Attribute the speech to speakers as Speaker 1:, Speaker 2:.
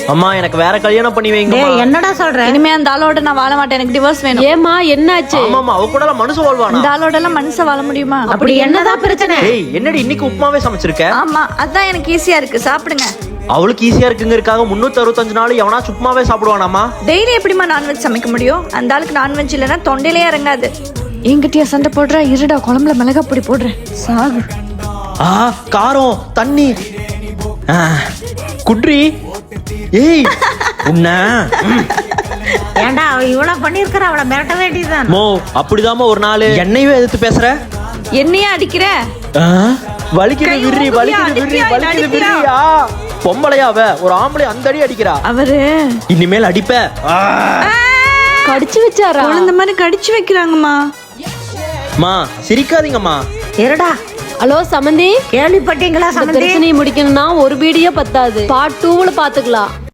Speaker 1: அம்மா எனக்கு வேற கல்யாணம் பண்ணி வைங்க.
Speaker 2: என்னடா சொல்ற?
Speaker 3: இனிமே அந்த ஆளோட நான் வாழ மாட்டேன், எனக்கு டிவோர்ஸ் வேணும்.
Speaker 4: ஏமா என்னாச்சு?
Speaker 1: ஆமாமா, அவ கூட மனுஷன் வாழ்வானா?
Speaker 3: இந்த ஆளோட எல்லாம் மனுஷன் வாழ முடியுமா?
Speaker 2: அப்படி என்னதான் பிரச்சனை?
Speaker 1: ஏய், என்னடி இன்னைக்கு உப்புமாவே சமைச்சிருக்க?
Speaker 3: ஆமா, அதான் எனக்கு ஈஸியா இருக்கு, சாப்பிடுங்க.
Speaker 1: அவளுக்கு ஈஸியா இருக்குங்கிறதுக்காக 365 நாள் எவனா சும்மாவே சாப்பிடுவானாமா?
Speaker 3: டெய்லி எப்படிமா நான்வெஜ் சமைக்க முடியும்? அந்த ஆளுக்கு நான்வெஜ் இல்லைன்னா தொண்டையிலே இறங்காது. என்கிட்டயா சண்டை போடுற? இருடா, குழம்புல மிளகா பொடி போடுறேன், சாகு.
Speaker 1: காரம் தண்ணி குட்ரி. ஏய் உன்ன
Speaker 2: ஏண்டா அவ இவ்வளவு பண்ணிருக்கற, அவளை மிரட்ட வேண்டியதுதான்.
Speaker 1: மோ அப்படிதாம்மா ஒரு நாள் என்னையே எதிர்த்து பேசுற.
Speaker 3: என்னையே அடிக்கிற?
Speaker 1: வலிக்குது விர்ரி, வலிக்குது விர்ரி, வலிக்குது விர்ரியா? பொம்பளையாவ ஒரு ஆம்பளை அந்த அடி அடிக்கிறா.
Speaker 3: அவரு
Speaker 1: இனிமேல் அடிப்ப.
Speaker 4: கடிச்சு வச்சாரா?
Speaker 3: குழந்தை மாதிரி கடிச்சு வைக்கிறாங்கம்மா.
Speaker 1: மா சிரிக்காதீங்கம்மா.
Speaker 2: இருடா.
Speaker 4: ஹலோ சமந்தி,
Speaker 2: கேள்விப்பட்டீங்களா?
Speaker 4: பிரச்சனையை முடிக்கணும்னா ஒரு வீடியோ பத்தாது, பார்ட் 2ல பாத்துக்கலாம்.